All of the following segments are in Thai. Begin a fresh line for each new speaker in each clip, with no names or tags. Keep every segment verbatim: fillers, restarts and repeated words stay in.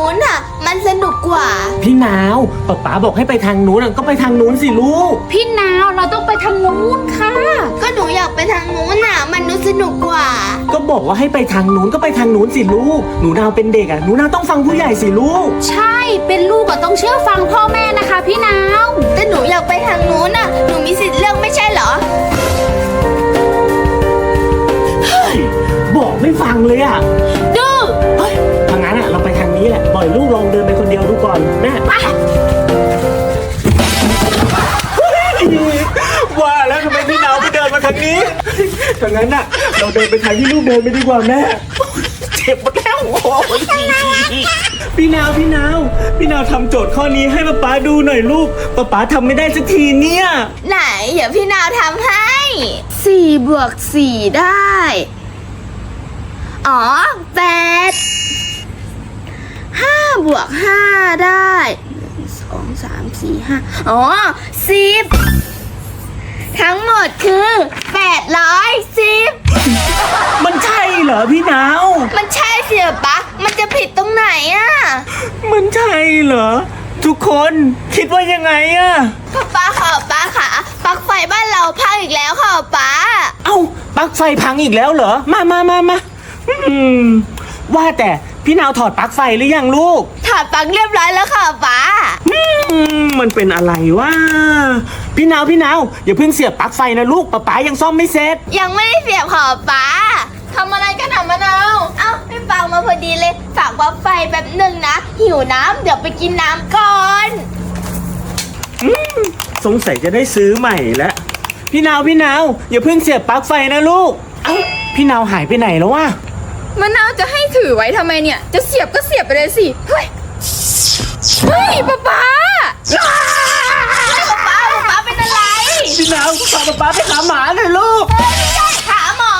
นู้นน่ะมันสนุกกว่า
พี่นาวป๊าป๊าบอกให้ไปทางนู้นก็ไปทางนู้นสิลูก
พี่นาวเราต้องไปทางนู้นค่ะ
ก็หนูอยากไปทางนู้นน่ะมันดูสนุกกว่า
ก็บอกว่าให้ไปทางนู้นก็ไปทางนู้นสิลูกหนูนาวเป็นเด็กอ่ะหนูนาวต้องฟังผู้ใหญ่สิลูก
ใช่เป็นลูกก็ต้องเชื่อฟังพ่อแม่นะคะพี่นาว
แต่หนูอยากไปทางนู้นน่ะหนูมีสิทธิ์เลือกไม่ใช่เหรอ
บอกไม่ฟังเลยอ่ะ
ดื้อ
เฮ้ยทางนั้นอ่ะเราไปทางนี้แหละปล่อยลูกลองเดินไปคนเดียวดูก่อนแม่ไปว่าแล้วทำไมพี่นาวไม่เดินมาทางนี้ทางนั้นอ่ะเราเดินไปทางที่ลูกเดินไปดีกว่าแม่เจ็บหมดแล้วโอ้ยพี่นาวพี่นาวพี่นาวทำโจทย์ข้อนี้ให้ป๊าป๊าดูหน่อยลูกป๊าป๊าทำไม่ได้สักทีเนี่ย
ไหนเดี๋ยวพี่นาวทำให้สี่บวกสี่ได้อ๋อแปดห้าบวกห้าได้สองสามสี่ห้าอ๋อสิบทั้งหมดคือแปดร้อยสิบ
มันใช่เหรอพี่นาว
มันใช่สิปะมันจะผิดตรงไหนอ่ะ
มันใช่เหรอทุกคนคิดว่ายังไงอะ
ป้าป้าค่ะป้าค่ะปลั๊กไฟบ้านเราพังอีกแล้วค่ะป้า
เอ้าปลั๊กไฟพังอีกแล้วเหรอมามามามาอืมว่าแต่พี่นาวถอดปลั๊กไฟหรือยังลูก
ถอดปลั๊กเรียบร้อยแล้วค่ะป้า
อืมมันเป็นอะไรวะพี่นาวพี่นาวอย่าเพิ่งเสียบปลั๊กไฟนะลูกป๊าป๊ายังซ่อมไม่เสร็จ
ยังไม่ได้เสียบค่ะป้าทำอะไรกันหนามะนาวเอ้าพี่ปังมาพอดีเลยฝากปลั๊กไฟแบบหนึ่งนะหิวน้ำเดี๋ยวไปกินน้ำก่อน
อืมสงสัยจะได้ซื้อใหม่แล้วพี่นาวพี่นาวอย่าเพิ่งเสียบปลั๊กไฟนะลูกเอ้าพี่นาวหายไปไหนแล้ววะ
มะนาวจะให้ถือไว้ทำไมเนี่ยจะเสียบก็เสียบไปเลยสิเฮ้ยเฮ้ยป๊าป๊า
ป๊าป๊าป๊าเป็นอะไร
พี่นาวพาป๊าป๊าไปหาหมาหน่อยลูก
ไม่ใช่หาหมอ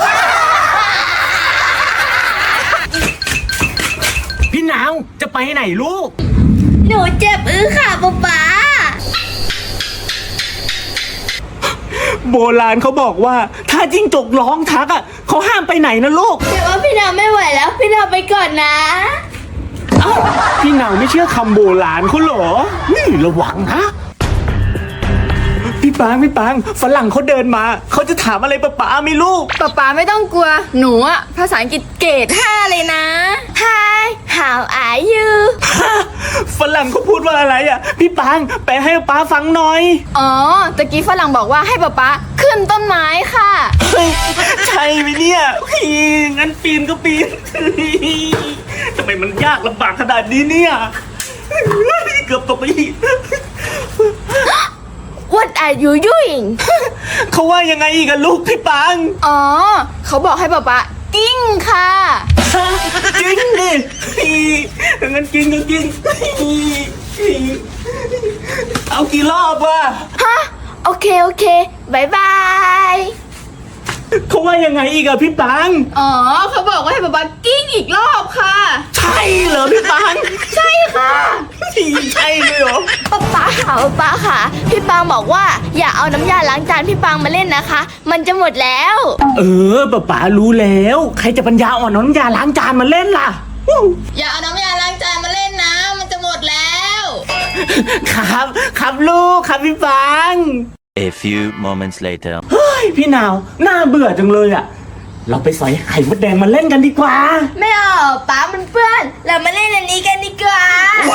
พี่นาวจะไปไหนลูก
หนูเจ็บอื้อค่ะป๊าป๊า
โบราณเขาบอกว่าถ้าจิ้งจกร้องทักอ่ะเขาห้ามไปไหนนะลูก
แต่ว่าพี่นาวไม่ไหวแล้วพี่นาวไปก่อนนะ
เอ้าพี่นาวไม่เชื่อคำโบราณเขาเหรอนี่ระวังนะพี่ปางพี่ปางฝรั่งเขาเดินมาเขาจะถามอะไรป๊าป๊าไม่ลูก
ป๊าป๊าไม่ต้องกลัวหนูอะภาษาอังกฤษเกรดห้าเลยนะ
Hi how are you
ฝรั่งเขาพูดว่าอะไรอ่ะพี่ปางแปลให้ป๊าฟังหน่อย
อ๋อตะกี้ฝรั่งบอกว่าให้ป๊าป๊าขึ้นต้นไม้ค่ะ
ใช่ไหมเนี่ยงั้นปีนก็ปีนทำไมมันยากลำบากขนาดนี้เนี่ยเกือบตกไปอีก
What are you doing
เขาว่ายังไงอีกอะลูกพี่ปัง
อ๋อเขาบอกให้ป๊าป๊ากิ้งค่ะ
กิ้งดิงั้นกิ้งก็กิ้งเอากี่รอบวะ
ฮะโอเคโอเคบายบาย
เขาว่ายังไงอีกอะพี่ปัง
อ๋อเขาบอกว่าให้ป๊าป๊ากิ้งอีกรอบค่ะ
ใช่เหรอพี่ปัง
ใช่ค่ะ
ใช่เลยเหรอ
ป๊าป๊าค่ะป๊าค่ะพี่ปังบอกว่าอย่าเอาน้ำยาล้างจานพี่ปังมาเล่นนะคะมันจะหมดแล้ว
เออป๊าป๊ารู้แล้วใครจะปัญญาอ่อนน้ำยาล้างจานมาเล่นล่ะ
อย่าเอาน้ำยาล้างจานมาเล่นนะมันจะหมดแล้ว
ครับครับลูกครับพี่ปัง
A few moments later
เฮ้ยพี่นาวน่าเบื่อจังเลยอ่ะเราไปสอยไข่มดแดงมาเล่นกันดีกว่า
ไม่เอาป๊ามันเปื้อนเรามาเล่นอันนี้กันดีกว่า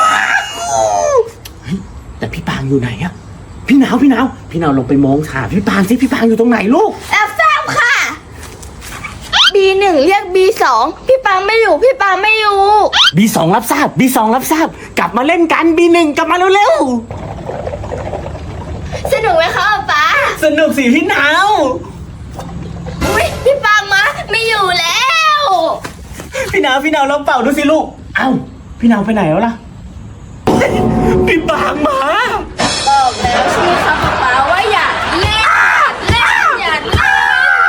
เฮ้ยแต่พี่ปางอยู่ไหนอะพี่นาวพี่นาวพี่นาวลงไปมองหาพี่ปางสิพี่ปางอยู่ตรงไหนลูก
รับทราบค่ะ บี หนึ่ง เรียก บี สอง พี่ปางไม่อยู่พี่ปางไม่อยู่
บี สอง รับทราบ บี สอง รับทราบกลับมาเล่นกัน บี หนึ่ง กลับมาเร็วๆ
สนุกไหมคะป๊า
สนุกสิพี่นาว
อุ้ยพี่ปางมาไม่อยู่แล้ว
พี่นาวพี่นาวลองเป่าดูสิลูกเอ้าพี่นาวไปไหนแล้วล่ะพี่ปางมา
บอกแล้วใช่ไหมคะป๊าว่าอย่าเล่นเล่นอย่าเล่น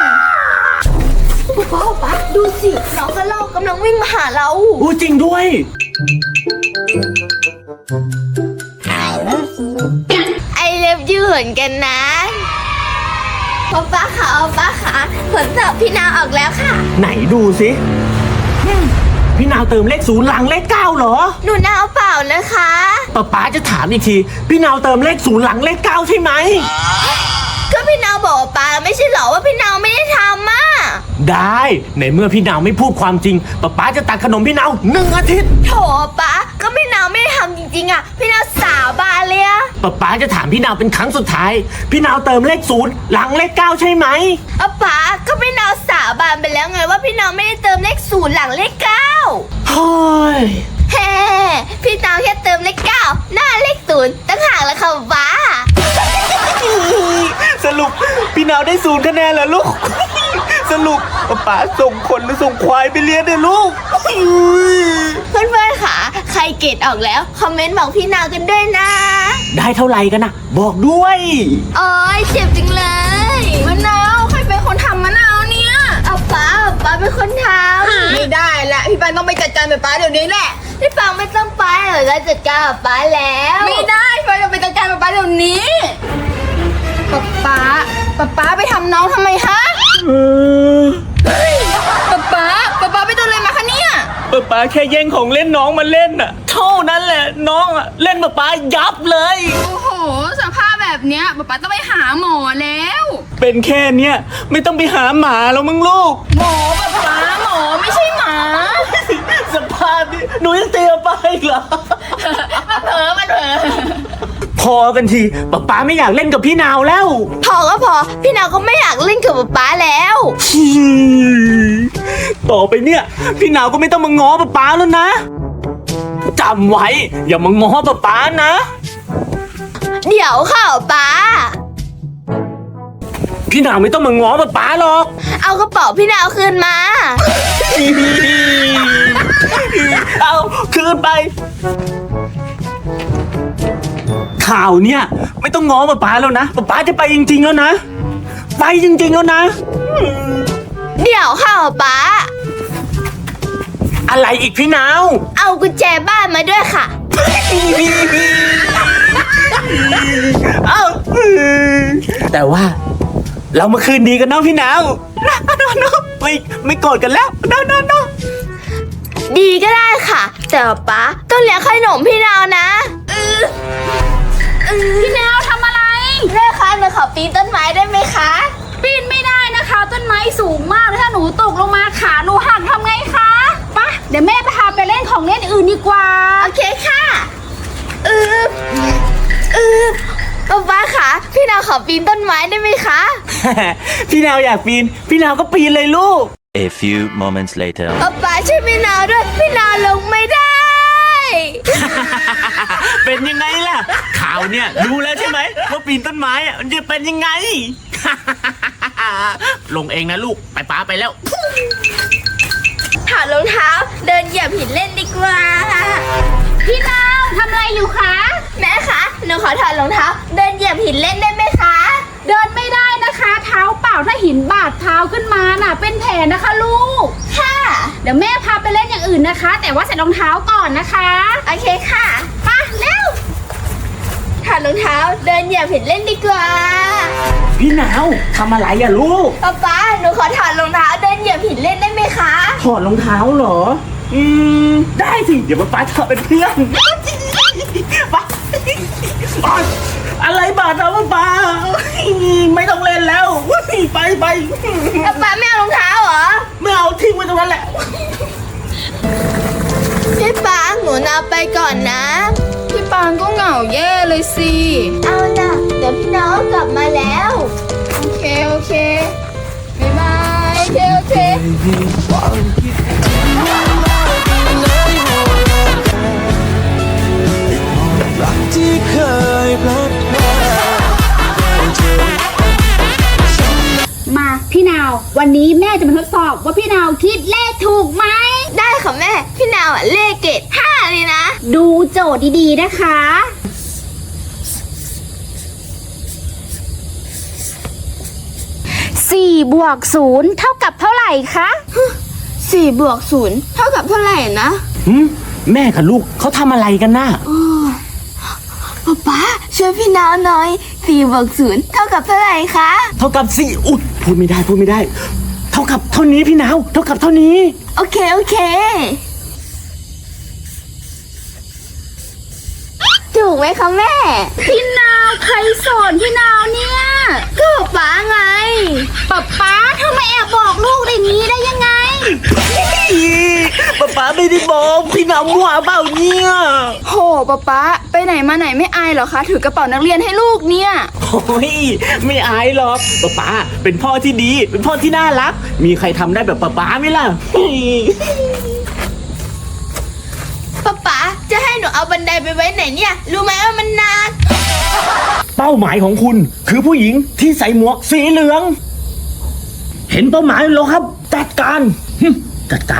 ป๊าป๊าดูสิน้องกระรอกกำลังวิ่งมาหาเรา
อู้จริงด้วย
ไอเลิฟยูเหมือนกันนะป๊าป๊าค่ะป๊าค่ะผลสอบพี่นาวออกแล้วค่ะ
ไหนดูสิพี่นาวเติมเลขศูนย์หลังเลขเก้าเหรอ
หนูนาวเปล่านะคะ
ป๊าป๊าจะถามอีกที พี่นาวเติมเลขศูนย์หลังเลขเก้าใช่ไหม
ก็พี่นาวบอกว่าป้าไม่ใช่เหรอว่าพี่นาวไม่ได้ทำอ่ะ
ได้ในเมื่อพี่นาวไม่พูดความจริงป๊าป๊าจะตัดขนมพี่นาวหนึ่งอาทิตย์
โถป้าก็พี่นาวไม่ได้ทำจริงๆอ่ะพี่นาวสาบานเลยอะ
ป๊าป๊าจะถามพี่นาวเป็นครั้งสุดท้าย พี่นาวเติมเลขศูนย์หลังเลขเก้าใช่ไหม
อะป้าก็พี่นาวสาบานไปแล้วไงว่าพี่นาวไม่ได้เติมเลขศูนย์หลังเลขเก้า
เฮ้ย
เฮ้พี่นาวแค่เติมเลขเก้าหน้าเลขศูนย์ตั้งห่างแล้วค่ะป้า
สรุปพี่นาวได้ศูนย์คะแนนเหรอลูก สรุปป๊าป๊าส่งคนหรือส่งควายไปเรียนเนี่ยลูก
เพื่อนๆค่ะใครเกรดออกแล้วคอมเมนต์บอกพี่นาวกันด้วยนะ
ได้เท่าไหร่กันนะบอกด้วย
โอ้ยเจ็บจริงเลย
มะนาวใครเป็นคนทำมะนาวเนี่ย
เอาป้าป้าเป็นคนทำ
ไม่ได้ละพี่ปันต้องไปจัดการแบบป้าเดี๋ยวนี้แหละ
พี่ปังไม่ต้องไปหรอกเราจัดการกับป้าแล้ว
ไม่ได้พี่ปันต้องไปจัดการแบบป้าเดี๋ยวนี้ป๊าป๊าป๊าป๊าไปทำน้องทำไมฮะ
เออ
ป๊าป๊าป๊าป๊าไปโดนอะไรมาคะเนี่ย
ป๊าป๊าแค่แย่งของเล่นน้องมาเล่นน่ะ เท่านั้นแหละน้องอะเล่นป๊าป๊ายับเลย
โอ้โหสภาพแบบเนี้ยป๊าป๊าต้องไปหาหมอแล้ว
เป็นแค่เนี้ยไม่ต้องไปหาหมาแล้วมึงลูก
หมอป๊าป๊าหมอไม่ใช่หมา
สภาพนี้หนูยังเตรียมไปอีกเหรอ
มันเผลอมันเผลอ
พอกันทีป๊าป๊าไม่อยากเล่นกับพี่นาวแล้ว
พอก็พอพี่นาวก็ไม่อยากเล่นกับป๊าป๊าแล้ว
ต่อไปเนี่ย พี่นาวก็ไม่ต้องมาง้อป๊าป๊าแล้วนะจำไว้ อย่ามาง้อป๊าป๊านะ
เดี๋ยวค่ะป๊า
พี่นาวไม่ต้องมาง้อป๊าป๊าหรอก
เอากระเป๋าพี่นาวคืนมา
เอาคืนไป ข่าวเนี่ย ไม่ต้องง้อป๊าป๊าแล้วนะป๊าป๊าจะไปจริงๆแล้วนะ ไปจริงๆแล้วนะ
เดี๋ยวค่ะป๊า
อะไรอีกพี่นาว
เอากุญแจบ้านมาด้วยค่ะ
เอาแต่ว่า เรามาคืนดีกันเนาะพี่นาวนะนะไม่ไม่โกรธกันแล้วนะนะนะ
ดีก็ได้ค่ะ แต่ป๊าต้องเลี้ยงขนมพี่นาวนะเออเออ
พี่นาวทำอะไร
แม่คะหนูขอปีนต้นไม้ได้ไหมคะ
ปีนไม่ได้นะคะ ต้นไม้สูงมากเลยถ้าหนูตกลงมาขาหนูหักทำไงคะไปะเดี๋ยวแม่พาไปเล่นของเล่นอื่นดีกว่า
โอเคค่ะเออเออป๊าป๊าคะพี่นาวขอปีนต้นไม้ได้ไหมคะ
พี่นาวอยากปีน พี่นาวก็ปีนเลยลูก
A few moments later.
ป๊าป๊าช่วยพี่นาวด้วยพี่นาวลงไม่ได้
เป็นยังไงล่ะ ข่าวเนี่ยรู้แล้วใช่ไหมว่าปีนต้นไม้อะมันจะเป็นยังไง ลงเองนะลูกไปป้าไปแล้ว
ถอดรองเท้าเดินเหยียบหินเล่นดีกว่า
พี่นาวทำอะไรอยู่คะ
แม่คะหนูขอถอดรองเท้าเดินเหยียบหินเล่นได้ไหมคะ
เดินไม่ได้นะคะ เท้าเปล่าถ้าหินบาดเท้าขึ้นมาน่ะ เป็นแผลนะคะลูก
ค่ะ
เดี๋ยวแม่พาไปเล่นอย่างอื่นนะคะ แต่ว่าใส่รองเท้าก่อนนะคะ
โอเคค่ะไปเร็วถอดรองเท้าเดินเหยียบหินเล่นดีกว่า
พี่นาวทำอะไรอะลูก
ป๊าป๊าหนูขอถอดรองเท้าเดินเหยียบหินเล่นได้ไหมคะ
ถอดรองเท้าเหรอ อืม ได้สิ เดี๋ยวป๊าถอดเป็นเพื่อนไปอะไรบาดเราป๊าไม่ต้องเล่นแล้ว ไปไป
ป๊าป๊าไม่เอารองเท้าเหรอ
ไม่เอาทิ้งไว้ตรงนั้นแหละ
พี่ป๊าหนูนาไปก่อนนะ
พี่ปางก็เหงาแย่เลยสิ
เอาล่ะเดี๋ยวพี่น้องกลับมาแล้ว
โอเค โอเค บ๊ายบาย โอเค โอเค
ที่เคยพลาดพลาด
มาพี่นาว วันนี้แม่จะมาทดสอบว่าพี่นาวคิดเลขถูกไหม
ได้ค่ะแม่ พี่นาวอ่ะเลขเกรดห้าเลยนะ
ดูโจทย์ดีๆนะคะสี่บวกศูนย์เท่ากับเท่าไหร่คะ
สี่บวกศูนย์เท่ากับเท่าไหร่นะ
หืมแม่กับลูกเขาทำอะไรกันน่ะ
ป๊าป๊าช่วยพี่นาวหน่อยสี่บวกศูนย์เท่ากับเท่าไหร่คะ
เท่ากับสี่อุ๊ยพูดไม่ได้พูดไม่ได้ เท่ากับเท่านี้พี่นาว เท่ากับเท่านี้
โอเคโอเค
อ
ถูกไหมคะแม่
พี่นาวใครสอนพี่นาวเนี่ย
ก็ป๊าไง
ป๊าป๊าทำไมแอบบอกลูกอย่างนี้ได้ยังไง
ป๊าป๊าไม่ได้บอกพี่นาวมั่วเปล่าเนี่ย
โหป๊าป๊าไปไหนมาไหนไม่อายเหรอคะถือกระเป๋านักเรียนให้ลูกเนี่ย
โอ้ยไม่อายหรอกป๊าป๊าเป็นพ่อที่ดี เป็นพ่อที่น่ารัก มีใครทำได้แบบป๊าป๊าไหมล่ะ
ป๊าป๊าจะให้หนูเอาบันไดไปไว้ไหนเนี่ย รู้ไหมว่ามันนาน
เป้าหมายของคุณคือผู้หญิงที่ใส่หมวกสีเหลือง เห็นเป้าหมายแล้วครับ จัดการหึจัดการ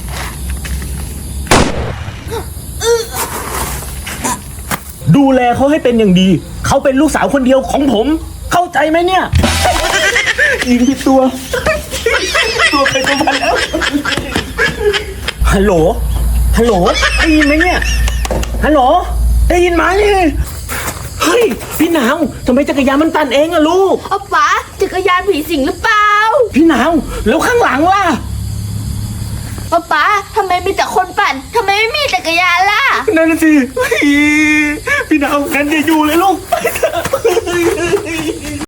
ดูแลเขาให้เป็นอย่างดี เขาเป็นลูกสาวคนเดียวของผม เข้าใจไหมเนี่ย ยิงผิดตัว ตัวใครตัวมันแล้ว ฮัลโหล ฮัลโหล ได้ยินไหมเนี่ย ฮัลโหล ได้ยินไหม เฮ้ย พี่นาวทำไมจักรยานมันตันเองอะลูก
เอาป๊าจักรยานผีสิงหรือเปล่า
พี่นาวแล้วข้างหลังล่ะ
ป๊าป๊าทำไมมีแต่คนปั่นทำไมไม่มีจักรยานล่ะ
นั่นน่ะสิเฮ้ยพี่นาวงั้นอย่าอยู่เลยลูก ไปเถ